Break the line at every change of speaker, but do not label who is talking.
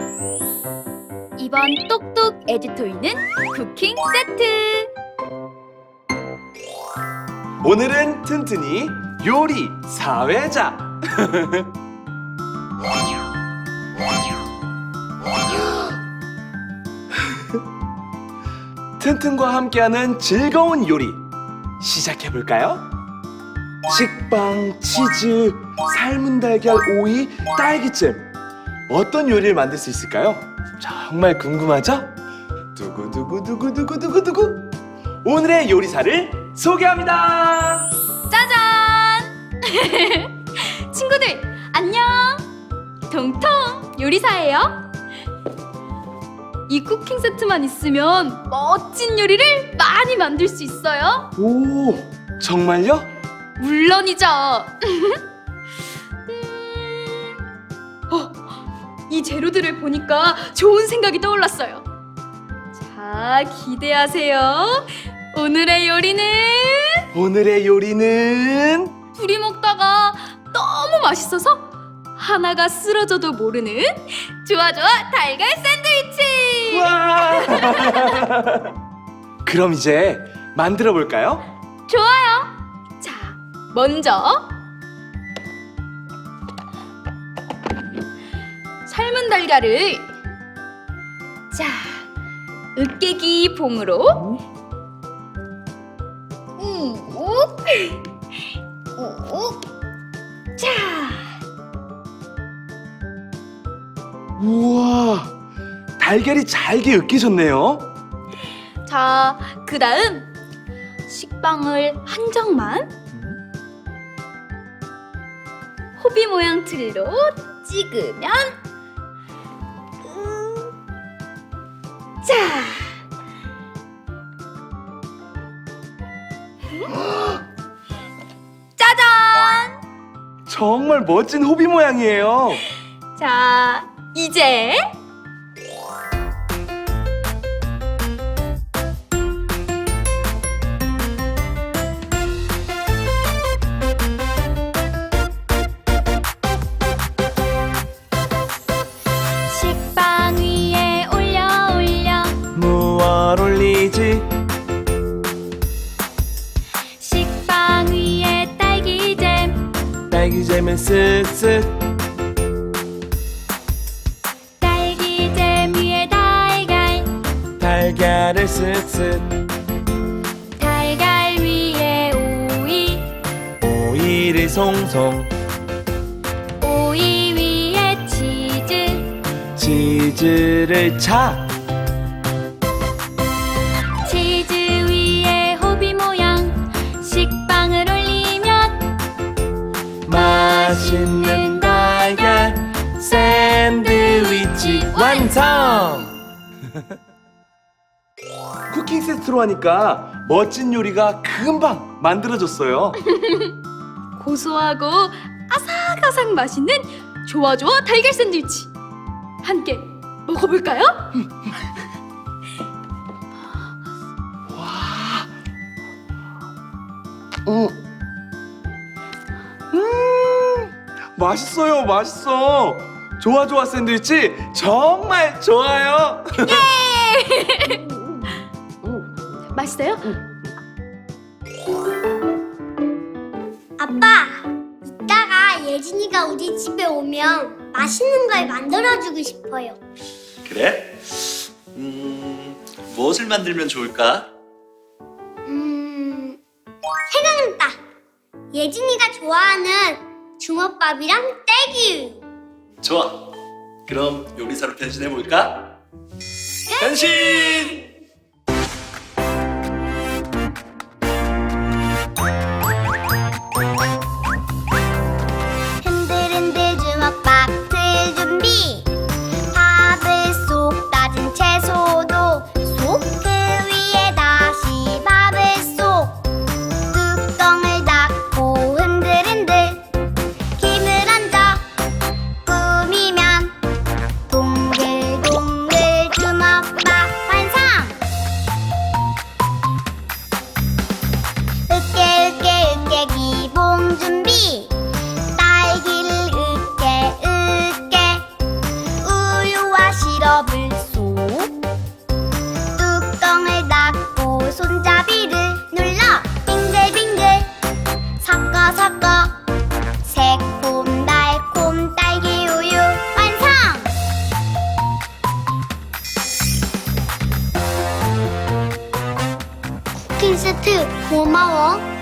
이번 똑똑 에듀토이는 쿠킹 세트.
오늘은 튼튼이 요리 사회자. 튼튼과 함께하는 즐거운 요리 시작해볼까요? 식빵, 치즈, 삶은 달걀, 오이, 딸기잼. 어떤 요리를 만들 수 있을까요? 정말 궁금하죠? 두구두구두구두구두구두구. 오늘의 요리사를 소개합니다.
짜잔! 친구들 안녕. 통통 요리사예요. 이 쿠킹 세트만 있으면 멋진 요리를 많이 만들 수 있어요.
오, 정말요?
물론이죠. 이 재료들을 보니까 좋은 생각이 떠올랐어요. 자, 기대하세요. 오늘의 요리는 둘이 먹다가 너무 맛있어서 하나가 쓰러져도 모르는 좋아 달걀 샌드위치.
와! 그럼 이제 만들어 볼까요?
좋아요. 자, 먼저 삶은 달걀을 으깨기 봉으로 욱 자,
우와, 달걀이 잘게 으깨졌네요.
자, 그 다음 식빵을 한 점만 호비 모양 틀로 찍으면 자, 짜잔!
정말 멋진 호비 모양이에요.
자, 이제 식빵 위에 올려
무얼 올리지?
식빵 위에 딸기잼
딸기잼은 쓱쓱.
딸기잼 위에
달걀을 쓱쓱.
달걀 위에
오이를 송송.
오이 위에
치즈를 차.
치즈 위에 호비 모양 식빵을 올리면
맛있는 달걀 샌드위치 완성! 쿠킹 세트로 하니까 멋진 요리가 금방 만들어졌어요.
고소하고 아삭아삭 맛있는 좋아 달걀 샌드위치 함께 먹어볼까요?
맛있어요, 맛있어. 좋아 샌드위치 정말 좋아요.
맛있어요?
아빠, 이따가 예진이가 우리 집에 오면 맛있는 걸 만들어주고 싶어요.
그래? 무엇을 만들면 좋을까?
생각났다. 예진이가 좋아하는 주먹밥이랑 딸기우유.
좋아. 그럼 요리사로 변신해볼까? 변신!
흔들흔들 주먹밥 틀 준비. 밥을 쏙 따진 채소도 쏙. 그 위에 다시 밥을 쏙. 뚜껑을 닫고 흔들흔들 김을 얹어 꾸미면 동글동글 주먹밥 완성! 쿠킹 세트 고마워.